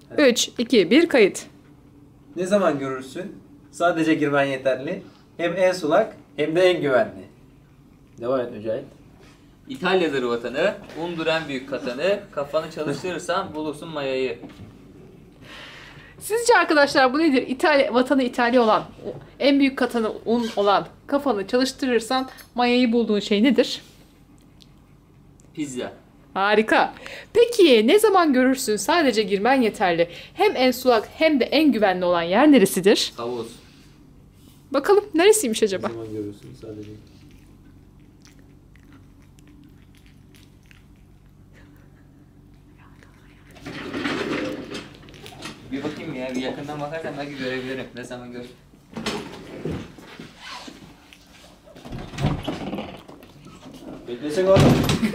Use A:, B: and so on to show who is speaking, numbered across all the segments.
A: 3, 2, 1 kayıt.
B: Ne zaman görürsün? Sadece girmen yeterli. Hem en sulak hem de en güvenli. Devam et Mücahit.
C: İtalya'dır vatanı, undur en büyük katanı, kafanı çalıştırırsan bulursun mayayı.
A: Sizce arkadaşlar bu nedir? Vatanı İtalya olan, en büyük katanı un olan, kafanı çalıştırırsan mayayı bulduğun şey nedir?
C: Pizza.
A: Harika. Peki ne zaman görürsün? Sadece girmen yeterli. Hem en sulak hem de en güvenli olan yer neresidir?
C: Havuz.
A: Bakalım neresiymiş acaba?
B: Ne zaman görürsün? Sadece.
C: Bir bakayım ya, bir yakından bakarsan belki görebilirim. Ne zaman gör.
B: Beklesek oğlum.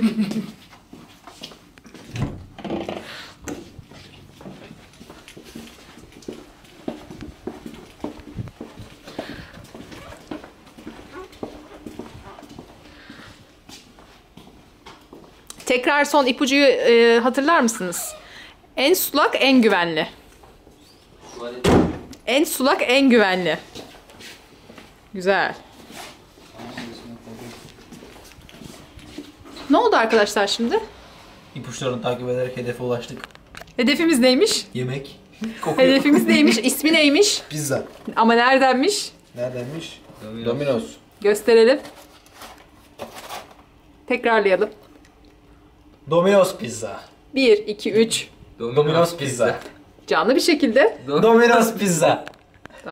A: Tekrar son ipucuyu hatırlar mısınız? En sulak, en güvenli.
C: Tuvalet.
A: En sulak, en güvenli. Güzel. Ne oldu arkadaşlar şimdi?
B: İpuçlarını takip ederek hedefe ulaştık.
A: Hedefimiz neymiş?
B: Yemek. Kokuyor.
A: Hedefimiz neymiş? İsmi neymiş?
B: Pizza.
A: Ama neredenmiş?
B: Neredenmiş?
C: Domino's.
B: Domino's.
A: Gösterelim. Tekrarlayalım.
B: Domino's pizza.
A: 1, 2, 3.
B: Domino's pizza.
A: Canlı bir şekilde.
B: Domino's pizza.